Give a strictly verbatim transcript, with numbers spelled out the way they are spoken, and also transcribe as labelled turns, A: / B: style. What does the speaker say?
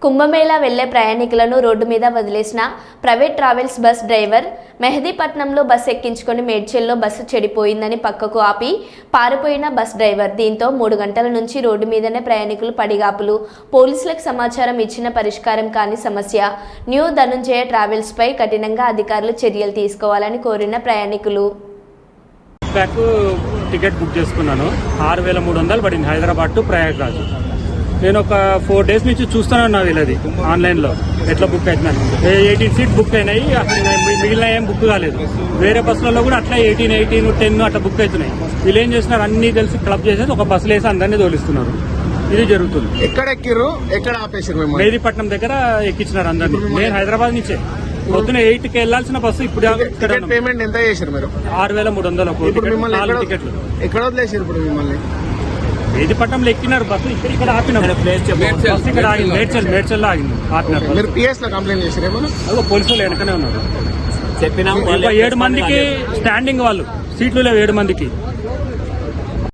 A: కుంభమేళా వెళ్లే ప్రయాణికులను రోడ్డు మీద వదిలేసిన ప్రైవేట్ ట్రావెల్స్ బస్ డ్రైవర్ మెహదీపట్నంలో బస్సు ఎక్కించుకొని మేడ్చల్లో బస్సు చెడిపోయిందని పక్కకు ఆపి పారిపోయిన బస్ డ్రైవర్. దీంతో మూడు గంటల నుంచి రోడ్డు మీదనే ప్రయాణికులు పడిగాపులు. పోలీసులకు సమాచారం ఇచ్చిన పరిష్కారం కాని సమస్య. న్యూ ధనుంజయ ట్రావెల్స్ పై కఠినంగా అధికారులు చర్యలు తీసుకోవాలని కోరిన ప్రయాణికులు.
B: టికెట్ బుక్ చేసుకున్నాను. ఆరు వేల మూడు వందలు పడింది హైదరాబాద్ టు ప్రయాగ్రాజ్. నేను ఒక ఫోర్ డేస్ నుంచి చూస్తూనే ఉన్నా వీళ్ళది ఆన్లైన్లో ఎట్లా బుక్ అవుతున్నాను. ఎయిటీన్ సీట్ బుక్ అయినాయి, అసలు మిగిలిన ఏం బుక్ కాలేదు. వేరే బస్సులలో కూడా అట్లా ఎయిటీన్ ఎయిటీన్ టెన్ అట్లా బుక్ అవుతున్నాయి. వీళ్ళు ఏం చేస్తున్నారు, అన్ని కలిసి క్లబ్ చేసేసి ఒక బస్సులు వేసి అందరినీ తోలిస్తున్నారు. ఇది జరుగుతుంది.
C: ఎక్కడ ఎక్కిర్రు, ఎక్కడ ఆపేసారు?
B: మెహదీపట్నం దగ్గర ఎక్కించినారు అందరినీ. నేను హైదరాబాద్ నుంచే పొద్దున ఎయిట్ కి వెళ్లాల్సిన బస్సు ఇప్పుడు
C: పేమెంట్ ఎంత చేశారు మీరు?
B: ఆరు వేల మూడు వందలు నాలుగు టికెట్లు.
C: ఎక్కడ వదిలేసారు ఇప్పుడు మిమ్మల్ని?
B: మెహదీపట్నంలో ఎక్కినారు బస్సు. ఇక్కడ ఇక్కడ ఆపినారు. బస్సు ఇక్కడ ఆగింది, మేడ్చల్ మేడ్చల్లో ఆగింది, ఆపినారు.
C: మీరు పిఎస్ లో కంప్లైంట్ చేశారు?
B: అదో పోలీసులు వెనకనే ఉన్నారు. చెప్పినా ఏడు మందికి స్టాండింగ్, వాళ్ళు సీట్లు లేవు ఏడు మందికి.